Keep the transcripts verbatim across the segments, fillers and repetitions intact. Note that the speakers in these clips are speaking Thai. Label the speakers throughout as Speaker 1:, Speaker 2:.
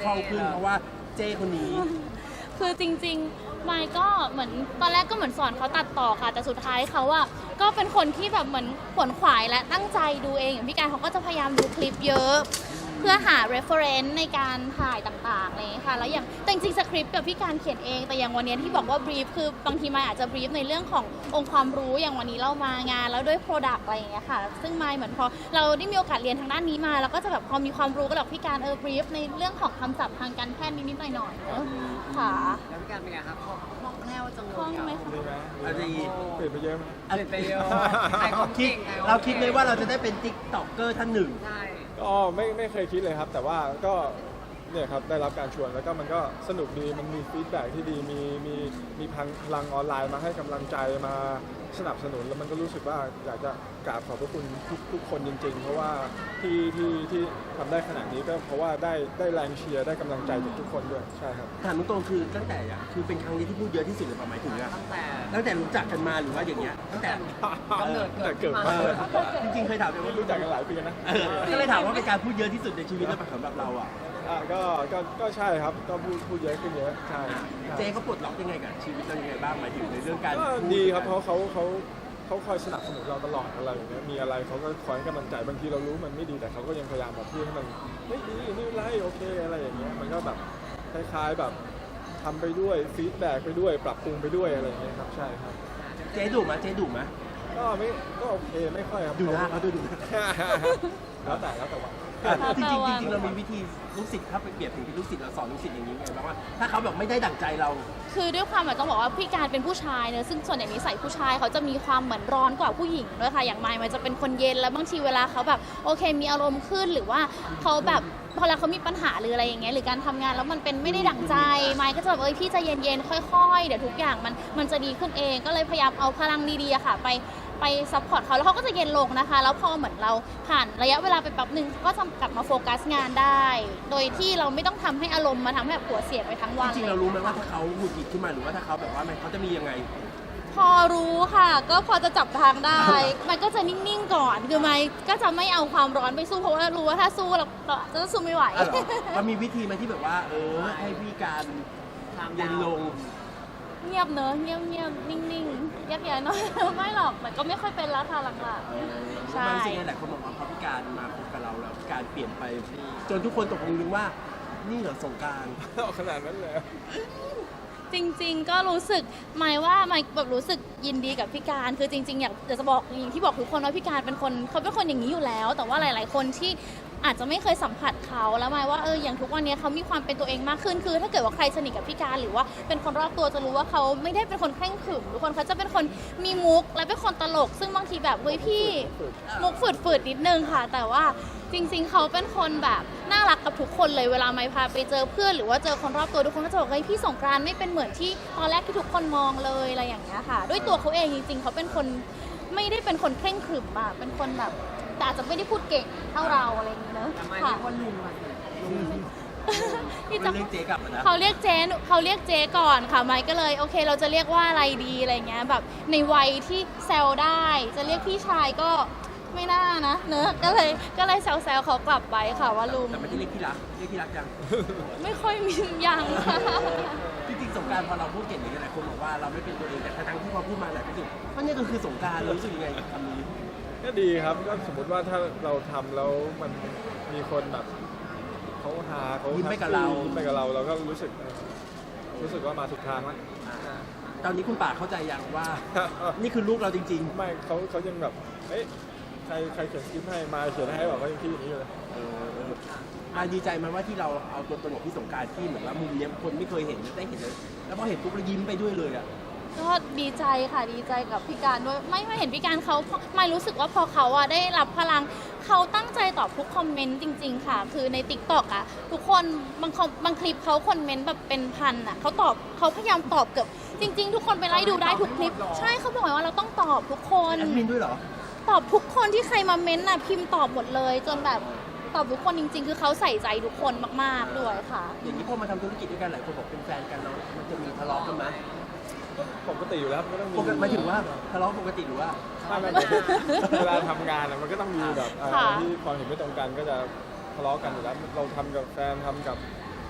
Speaker 1: คล่องขึ้นเพราะว่าเจ้คนนี้
Speaker 2: คือจริงๆไมค์ก็เหมือนตอนแรกก็เหมือนสอนเขาตัดต่อค่ะแต่สุดท้ายเขาอะก็เป็นคนที่แบบเหมือนขวนขวายและตั้งใจดูเองอย่างพี่การเขาก็จะพยายามดูคลิปเยอะเพื่อหา reference ในการถ่ายต่างๆอะไรอย่างเงี้ยค่ะแล้วอย่างแต่จริงๆสคริปต์กับพี่การเขียนเองแต่อย่างวันนี้ที่บอกว่า brief คือบางทีไมค์อาจจะ brief ในเรื่องขององค์ความรู้อย่างวันนี้เรามางานแล้วด้วย product อะไรอย่างเงี้ยค่ะซึ่งไมค์เหมือนพอเราได้มีโอกาสเรียนทางด้านนี้มาเราก็จะแบบพอมีความรู้ก็แบบพี่การเออ brief ในเรื่องของคำศัพท์ทางการแพทย์นิดๆหน่อยๆเนอะค่ะ
Speaker 3: แล้วพี่การเป็นไงครับคล่องแคล่วจังเลย
Speaker 2: คล่องไหมคะ
Speaker 4: ดีไหม
Speaker 1: อะไร
Speaker 4: เปลี่ยนไปเยอะไหม
Speaker 3: เปลี่ยนไปเยอะใครเขา
Speaker 1: คิด
Speaker 3: เก่งใค
Speaker 1: เราคิดเลยว่าเราจะได้เป็นติ๊กต็อกเกอร์ท่านหนึ่ง
Speaker 3: ใช่
Speaker 4: ก็ไม่ไม่เคยคิดเลยครับ แต่ว่าก็เนี่ยครับได้รับการชวนแล้วก็มันก็สนุกดีมันมีฟีดแบ็กที่ดีมีมีมีพลังออนไลน์มาให้กำลังใจมาสนับสนุนแล้วมันก็รู้สึกว่าอยากจะกราบขอบพระคุณทุกทุกคนจริง ๆ เพราะว่าที่ที่ที่ทำได้ขนาดนี้ก็เพราะว่าได้ได้แรงเชียร์ได้กำลังใจจากทุกคนด้วยใช่ครับ
Speaker 1: ถามตรงๆคือตั้งแต่อะคือเป็นครั้งนี้ที่พูดเยอะที่สุดเลยประมาณถึงอะ
Speaker 3: ตั้งแต่
Speaker 1: ตั้งแต่รู้จักกันมาหรือว่าอย่างเงี้ยตั้งแต่
Speaker 3: กำเนิดเกิ
Speaker 4: แต่
Speaker 3: ด
Speaker 4: เกิด
Speaker 3: มา
Speaker 4: มา
Speaker 1: เออจริงๆเคยถามไปว่า
Speaker 4: รู้จักกันหลายปีนะ
Speaker 1: เออก็เลยถามว่าเป็นการพูดเยอะที่สุดในชีวิตแล้วสำหรับเราอ่ะ
Speaker 4: อ่ะก็ก็ก็ใช่ครับก็พูดพูดเยอะขึ้นเยอะใช่ใช่
Speaker 1: เจ๊เขาปลดล็อกยังไงกับชีวิตเรายังไงบ้างหมายถึงในเรื่องการ
Speaker 4: ก็ดีครับเพราะเขาเขาเขาคอยสนับสนุนเราตลอดอะไรอย่างเงี้ยมีอะไรเขาก็คอยให้กำลังใจบางทีเรารู้มันไม่ดีแต่เขาก็ยังพยายามแบบพูดให้มันไม่ดีนี่ไรโอเคอะไรอย่างเงี้ยมันก็แบบคล้ายๆแบบทำไปด้วยฟีดแบ็กไปด้วยปรับปรุงไปด้วยอะไรอย่างเงี้ยครับใช่ครับ
Speaker 1: เจ๊ดุไหมเจ๊ดุไหม
Speaker 4: ก็ไม่ก็โอเคไม่ค่อยครับ
Speaker 1: ดูหน้าเขาดูดู
Speaker 4: แล้วแต่แล้วแต่วัน
Speaker 1: จริงๆจริงๆเรามีวิธีลูกศิษย์ถ้าไปเปรียบถึงลูกศิษย์เราสอนลูกศิษย์อย่างนี้ไงบ้างว่าถ้าเขาแบบไม่ได้ดั่งใจเรา
Speaker 2: คือด้วยความแบบต้องบอกว่าพี่การเป็นผู้ชายเนอะซึ่งส่วนใหญ่นิสัยผู้ชายเขาจะมีความเหมือนร้อนกว่าผู้หญิงด้วยค่ะอย่างไมค์มันจะเป็นคนเย็นแล้วบางทีเวลาเขาแบบโอเคมีอารมณ์ขึ้นหรือว่าเขาแบบพอแล้วเขามีปัญหาหรืออะไรอย่างเงี้ยหรือการทำงานแล้วมันเป็นไม่ได้ดั่งใจไมค์ก็จะแบบเอ้ยพี่ใจเย็นๆค่อยๆเดี๋ยวทุกอย่างมันมันจะดีขึ้นเองก็เลยพยายามเอาพลังดีๆอะค่ะไปไปซัพพอร์ตเขาแล้วเขาก็จะเย็นลงนะคะแล้วพอเหมือนเราผ่านระยะเวลาไปแป๊บหนึ่งก็จะกลับมาโฟกัสงานได้ โดยที่เราไม่ต้องทำให้อารมณ์มาทำให้แบบหัวเสียไปทั้งวัน
Speaker 1: จริงๆเรารู้ไหมว่าถ้าเขาหงุดหงิดขึ้นมาหรือว่าถ้าเขาแบบว่ามันเขาจะมียังไง
Speaker 2: พอรู้ค่ะ ก็พอจะจับทางได้ มันก็จะนิ่งๆก่อนคือไม่ก็จะไม่เอาความร้อนไปสู้เพราะว่ารู้ว่าถ้าสู้เราเราจะสู้ไม่ไหว
Speaker 1: อ่ะเหรอมันมีวิธีไหมที่แบบว่า เออให้พี่การเย็นลง
Speaker 2: เงียบเนอะเงียบเงียบๆนิ่งๆยักย้ายน้อย ไม่หรอกมันก็ไม่ค่อยเป็นแล้วค่ะหลังๆใช่
Speaker 1: มันจริงๆหลายคนบอกว่าพอพี่การมาพบกับเราแล้วพี่การเปลี่ยนไป จนทุกคนตกลงว่านี่เหรอสงกรานต์
Speaker 4: ขนาดนั้นเลย
Speaker 2: จริงๆ ก็รู้สึกหมายว่าหมายแบบรู้สึกยินดีกับพี่การคือจริงๆ อยากจะบอกอย่างที่บอกทุกคนว่าพี่การเป็นคนเขาเป็นคนอย่างนี้อยู่แล้ว แต่ว่าหลายๆ คนที่อาจจะไม่เคยสัมผัสเขาแล้วหมายว่าเอออย่างทุกวันนี้เขามีความเป็นตัวเองมากขึ้นคือถ้าเกิดว่าใครสนิทกับพี่การหรือว่าเป็นคนรอบตัวจะรู้ว่าเขาไม่ได้เป็นคนเคร่งขรึมทุกคนเขาจะเป็นคนมีมุกและเป็นคนตลก ซึ่งบางทีแบบเฮ้ยพี่มุกฝืดๆนิดนึงค่ะ แต่ว่าจริงๆ เขาเป็นคนแบบน่ารักกับทุกคนเลยเวลาไม่พาไปเจอเพื่อนหรือว่าเจอคนรอบตัวทุกคนก็จะบอกเฮ้ยพี่สงกรานต์ไม่เป็นเหมือนที่ตอนแรกที่ทุกคนมองเลยอะไรอย่างเงี้ยค่ะ ด้วยตัวเขาเองจริงๆ เขาเป็นคนไม่ได้เป็นคนเคร่งขรึมอะเป็นคนแบบแต่อาจจะไม่ได้พูดเก่งเท่าเราอะไรอย่างเงี้ยเนอะ
Speaker 3: แต่ไม่
Speaker 2: ค่ะ
Speaker 3: เรียกว่าลุงอะสิลุง
Speaker 2: ที่
Speaker 1: มั
Speaker 2: จะ
Speaker 1: นเรียกเจ๊กลับมานะ
Speaker 2: เขาเรียกเจ๊เขาเรียกเจ๊ก่อนค่ะไมค์ก็เลยโอเคเราจะเรียกว่าอะไรดีอะไรเงี้ยแบบในวัยที่แซวได้ จะเรียกพี่ชายก็ไม่น่านะเนอะก็เลยก็เลยแซวๆเขากลับไปค่ะว่าลุง
Speaker 1: แต่ไม่ได้เรียกที่รักเรียกที่รักยัง
Speaker 2: ไม่ค่อยมียังค่ะ
Speaker 1: จริงๆสงกรารพอเราพูดเก่งอย่างนี้หลายคนบอกว่าเราไม่เป็นตัวเองแต่ทั้งที่พอพูดมาหลายคนรู้สึกว่านี่ก็คือสงกรารรู้สึกยังไงกับคำนี้
Speaker 4: ก็ดีครับก็สมมติว่าถ้าเราทำแล้วมันมีคนแบบเขาหาเขา
Speaker 1: ยิ้มไปกับเรา
Speaker 4: ยิ้มไปกับเราเราก็รู้สึกรู้สึกว่ามาถูกทางแล้ว
Speaker 1: ตอนนี้คุณป่าเข้าใจยังว่า นี่คือลูกเราจริง
Speaker 4: ไม่เขาเขายังแบบเอ๊ะใครใครเขียนสคริปต์ให้มาเขียนให้แบบว่ายังคิดอย่างนี้อยู่เลย
Speaker 1: ๆเออเออมาดีใจไหมว่าที่เราเอาตัวตนของพี่สงกรารที่เหมือนว่ามุมเนี้ยคนไม่เคยเห็นได้เห็นเลยแล้วพอเห็นปุ๊บเรายิ้มไปด้วยเลยอ่ะ
Speaker 2: ก็ดีใจค่ะดีใจกับพี่การด้วยไม่ไม่เห็นพี่การเขาไม่รู้สึกว่าพอเขาอะได้รับพลังเขาตั้งใจตอบทุกคอมเมนต์จริง ๆ ค่ะ คือใน ติ๊กต็อก อะทุกคนบางคอมบางคลิปเขาคอมเมนต์แบบเป็นพันอะเขาตอบเขาพยายามตอบเกือบจริง ๆ ทุกคนไปไล่ดูได้ทุกคลิป ใช่เขาบอกว่าเราต้องตอบทุกคน
Speaker 1: แอดมินด้วยเหรอ
Speaker 2: ตอบทุกคนที่ใครมาเม้นต์น่ะพิมพ์ตอบหมดเลย จนแบบตอบทุกคนจริง ๆ คือเขาใส่ใจทุกคนมากๆด้วยค่ะ
Speaker 1: อย่างนี้พอมาทำธุรกิจด้วยกันหลายคนบอกเป็นแฟนกันแล้วมันจะมีทะเลาะกันไหม
Speaker 4: ปกติอยู่แล้วมันก็ต้องมี
Speaker 1: ปกติหมายถึงว่าทะเลาะปกติหรือว่า
Speaker 4: ไม่ไม่ไม่เวลาทำงานอะมันก็ต้องมีแบบเอ่อ
Speaker 2: ค่ะ
Speaker 4: ที่ความเห็นไม่ตรงกันก็จะทะเลาะกันอยู่แล้วเราทำกับแฟนทำกับ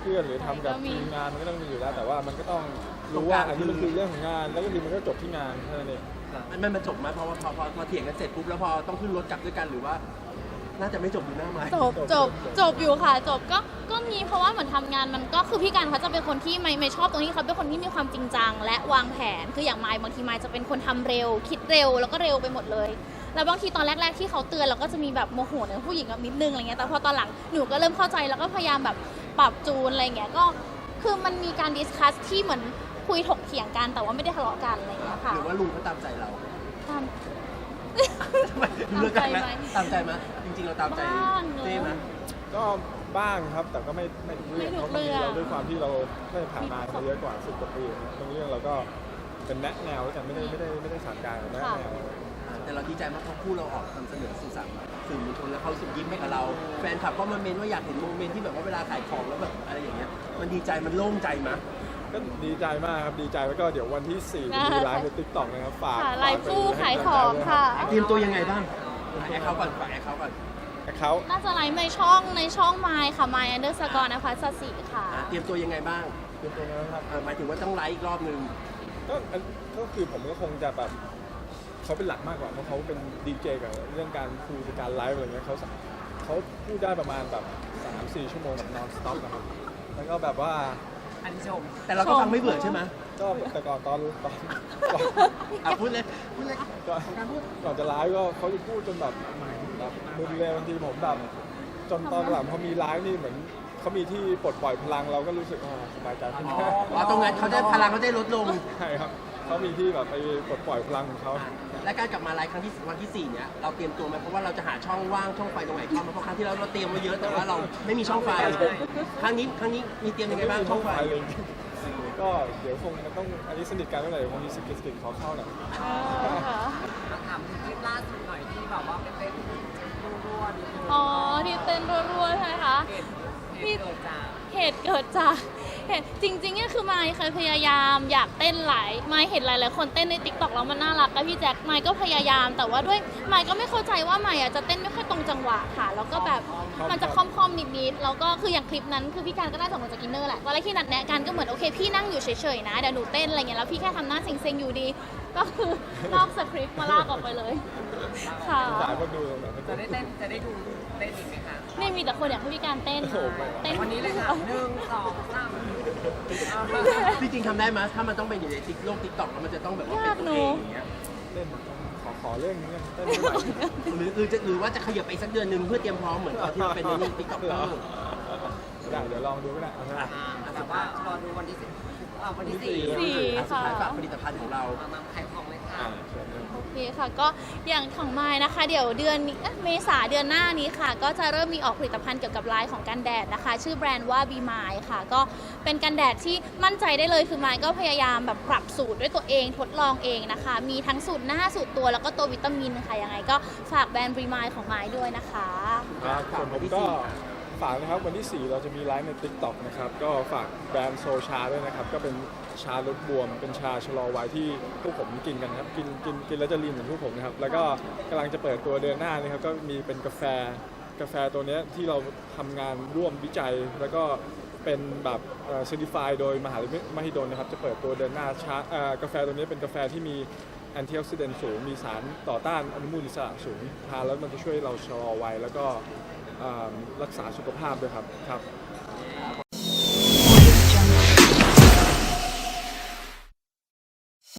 Speaker 4: เพื่อนหรือทำกับ
Speaker 2: ก็มี
Speaker 4: ทีมงานมันก็ต้องมีอยู่แล้ว แต่ว่ามันก็ต้องรู้ว่าอันนี้มันคือเรื่องของงานแล้วก็ทีมันก็จบที่งานแค่นั้นเอง
Speaker 1: มันมันมันจบไหมเพราะว่าพอพอพอเถียงกันเสร็จปุ๊บแล้วพอต้องขึ้นรถกลับด้วยกันหรือว่า น่าจะไม่จบอยู่หน้าไม้
Speaker 2: จบจบจบอยู่ค่ะจบก็ก็มีเพราะว่าเหมือนทำงานมันก็คือพี่การเขาจะเป็นคนที่ไม่ไม่ชอบตรงที่เขาเป็นคนที่มีความจริงจังและวางแผนคืออย่างไมค์บางทีไมค์จะเป็นคนทำเร็ว คิดเร็วแล้วก็เร็วไปหมดเลย แล้วบางทีตอนแรก ๆ ที่เขาเตือนเราก็จะมีแบบโมโหในผู้หญิงกับนิดนึงอะไรเงี้ยแต่พอตอนหลังหนูก็เริ่มเข้าใจแล้วก็พยายามแบบปรับจูนอะไรเงี้ยก็คือมันมีการดิสคัสที่เหมือนคุยถกเถียงกันแต่ว่าไม่ได้ทะเลาะกันอะไรเงี้ยค่ะ
Speaker 1: หรือว่าลุงเขาตามใจเรา
Speaker 2: ตาม
Speaker 1: ดูเลิกกันไหม
Speaker 2: ตามใจไหม
Speaker 1: ตามใจไหมจริงๆเราตามใจ
Speaker 2: บ้างเนอะ
Speaker 1: เต้ไหม
Speaker 4: ก็บ้างครับแต่ก็ไม่ไม่ทุกเรื่อง
Speaker 2: ไม่ทุ
Speaker 4: เพ
Speaker 2: ก
Speaker 4: ราะบางที
Speaker 2: เรื่อง
Speaker 4: เราด้วยความที่เราได้ผ่านมามาเยอะกว่าสิบกว่าปีบางเรื่องเราก็เป็นแนะแนวแล้วกันไม่ได้ไม่ได้ไม่ได้สั่งการแนะแนว
Speaker 1: อ่าแต่เราดีใจมากเพราะคู่เราออกนำเสนอสื่อสารสื่อมวลชนแล้วเขาสุดยิ้มให้กับเรา แฟนคลับก็มาเมนว่าอยากเห็นโมเมนต์ที่แบบว่าเวลาขายของแล้วแบบอะไรอย่างเงี้ยมันดีใจมันโล่งใจมั้ย
Speaker 4: ก็ดีใจมากครับดีใจแล้วก็เดี๋ยววันที่สี่จะมีไลฟ์ในติ๊กต็อกนะครับฝาก
Speaker 2: ค่ะ
Speaker 4: ฝาก
Speaker 2: ไลฟ์คู่
Speaker 4: ไป
Speaker 2: ขาย
Speaker 4: ให้
Speaker 2: ข
Speaker 4: กำลั
Speaker 2: อง
Speaker 4: ใจด้วย
Speaker 2: ค่ะ
Speaker 1: เตรียมตัวยังไงบ้างแอคเขาก่อนฝากแอคเขาก่อน
Speaker 4: แอคเคาท์
Speaker 2: น่าจะไลฟ์ในช่องในช่องไมค์ค่ะไมค์อันเดอร์สกอร์นภัสสิค่ะ
Speaker 1: อ่าเตรียมตัวยังไงบ้าง
Speaker 4: เตรียมตัวนะครับ
Speaker 1: อ่าหมายถึงว่าต้องไลฟ์อีกรอบนึง
Speaker 4: ก็อันก็คือผมก็คงจะแบบเขาเป็นหลักมากกว่าเพราะเขาเป็นดีเจกับเรื่องการคุยการไลฟ์อะไรเงี้ยเขาเขาพูดได้ประมาณแบบสามสี่ชั่วโมงแบบ non stop นะครับแล้วก็แบบว่า
Speaker 3: อันชม
Speaker 1: แต่เราก็ฟังไม่เบื่อใช่ไหม
Speaker 4: ก็แต่ก่อนตอนตอนก่อน
Speaker 1: อ่ะพูดเลยพูดเลย
Speaker 4: ก่อนก่อนจะไลฟ์ก็เขาจะพูดจนแบบแบบมึนเลยบางทีผมแบบจนตอนหลังพอมีไลฟ์นี่เหมือนเขามีที่ปลดปล่อยพลังเราก็รู้สึกว่าสบายใจขึ้น
Speaker 1: อ๋อตรงนั้นเขาได้พลังเขาได้ลดลง
Speaker 4: ใช่ครับเขามีที่แบบไปปลดปล่อยพลังของเขา
Speaker 1: และการกลับมาไลฟ์ครั้งที่วันที่สี่เนี่ยเราเตรียมตัวไหมเพราะว่าเราจะหาช่องว่างช่องไฟตรงไหนเข้ามาเพราะครั้งที่แล้วเราเตรียมไว้เยอะแต่ว่าเราไม่มีช่องไฟครั้งนี้ครั้งนี้มีเตรียมยังไงบ้างช่องไฟ
Speaker 4: เลยก็เดี๋ยวคงมันต้องอันนี้สนิทกันเมื่อไหร่คงมีสกิลสกิลขอเข้าหน่อย
Speaker 3: มาถามถึงคลิปล่าสุดหน่อยที่แบบว่าเป็นเต้นรัวๆนิดนึง
Speaker 2: อ๋อที่เต้นรัวๆใช่ไหมคะ
Speaker 3: เหตุเหตุเกิดจาก
Speaker 2: เหตุเกิดจากเหตุจริงๆเนี่ยคือไมค์เคยพยายามอยากเต้นหลายไมค์เห็นหลายๆคนเต้นในติ๊กต็อกแล้วมันน่ารักกับพี่แจ็คไมค์ก็พยายามแต่ว่าด้วยไมค์ก็ไม่เข้าใจว่าไมค์อ่ะจะเต้นไม่ค่อยตรงจังหวะค่ะแล้วก็แบบมันจะค่อมๆนิดๆแล้วก็คืออย่างคลิปนั้นคือพี่การก็ได้ส่งมาจากอินเนอร์แหละตอนแรกที่นัดแนะกันก็เหมือนโอเคพี่นั่งอยู่เฉยๆนะเดี๋ยวหนูเต้นอะไรเงี้ยแล้วพี่แค่ทำหน้าเซ็งๆอยู่ดี ก็คือนอกสคริปต์มาลากออกไปเลยค่ะ
Speaker 4: สายคนดูตรงไหน
Speaker 3: จะได้เต้นจะได้ดูเต้นอีกไหมคะ
Speaker 2: นี่มีแต่คนอยากให้พี่การเต้น
Speaker 4: โอ้โหไม่ไหว
Speaker 2: เต้น
Speaker 3: วันนี้เลยค่ะหนึ่งสองสาม
Speaker 1: ที่จริงทำได้ไหมถ้ามันต้องเป็นอยู่ในติ๊กโลกติ๊กต็อกแล้วมันจะต้องแบบว่าเป็นตัวเองอย่างเงี้ย
Speaker 4: เล่นขอขอเรื่องนี้เต้นไม่ไหว
Speaker 1: หรือหรือจะหรือว่าจะขยับไปสักเดือนหนึ่งเพื่อเตรียมพร้อมเหมือนตอนที่เราเป็นในนี่ติ๊กต็อกเกอร์
Speaker 4: ได้เดี๋ยวลองดูก็ได้เอานะ
Speaker 1: อ่ะ
Speaker 3: อ่าแต่ว่ารอดูวันที่สิบอ่าวันที่สี่
Speaker 2: สี่
Speaker 1: สุด
Speaker 2: ค่ะ
Speaker 1: ท้ายฝากผลิตภัณฑ์ของเรา
Speaker 3: มามาขายของเลยค่ะ
Speaker 4: อ่าเชิญเลย
Speaker 2: โอเคค่ะก็อย่างของไม้นะคะ เดี๋ยวเดือนนี้เอ๊ะเมษาเดือนหน้านี้ค่ะ ก็จะเริ่มมีออกผลิตภัณฑ์เกี่ยวกับไลน์ของกันแดดนะคะ ชื่อแบรนด์ว่า Be Mine ค่ะ ก็เป็นกันแดดที่มั่นใจได้เลยคือไม้ก็พยายามแบบปรับสูตรด้วยตัวเองทดลองเองนะคะ มีทั้งสูตรหน้าสูตรตัวแล้วก็ตัววิตามินค่ะยังไงก็ฝากแบรนด์ Be Mine ของไม้ด้วยนะคะ
Speaker 4: ครับส่วนผมก็ฝากนะครับวันที่สี่เราจะมีไลฟ์ใน TikTok นะครับก็ฝากแบรนด์โซชาด้วยนะครับก็เป็นชาลดบวม เป็นชาชะลอวัยที่พวกผมกินกันครับกินกินกินแล้วจะลีนเหมือนพวกผมนะครับแล้วก็กำลังจะเปิดตัวเดือนหน้านี่ครับก็มีเป็นกาแฟกาแฟตัวเนี้ยที่เราทำงานร่วมวิจัย แล้วก็เป็นแบบเซอร์ติฟายโดยมหาวิทยาลัยมหิดลนะครับจะเปิดตัวเดือนหน้าชาเอ่อกาแฟตัวนี้เป็นกาแฟที่มีแอนตี้ออกซิแดนต์สูงมีสารต่อต้านอนุมูลอิสระสูงทานแล้วมันจะช่วยเราชะลอวัยแล้วก็ อ่ารักษาสุขภาพด้วยครับครับ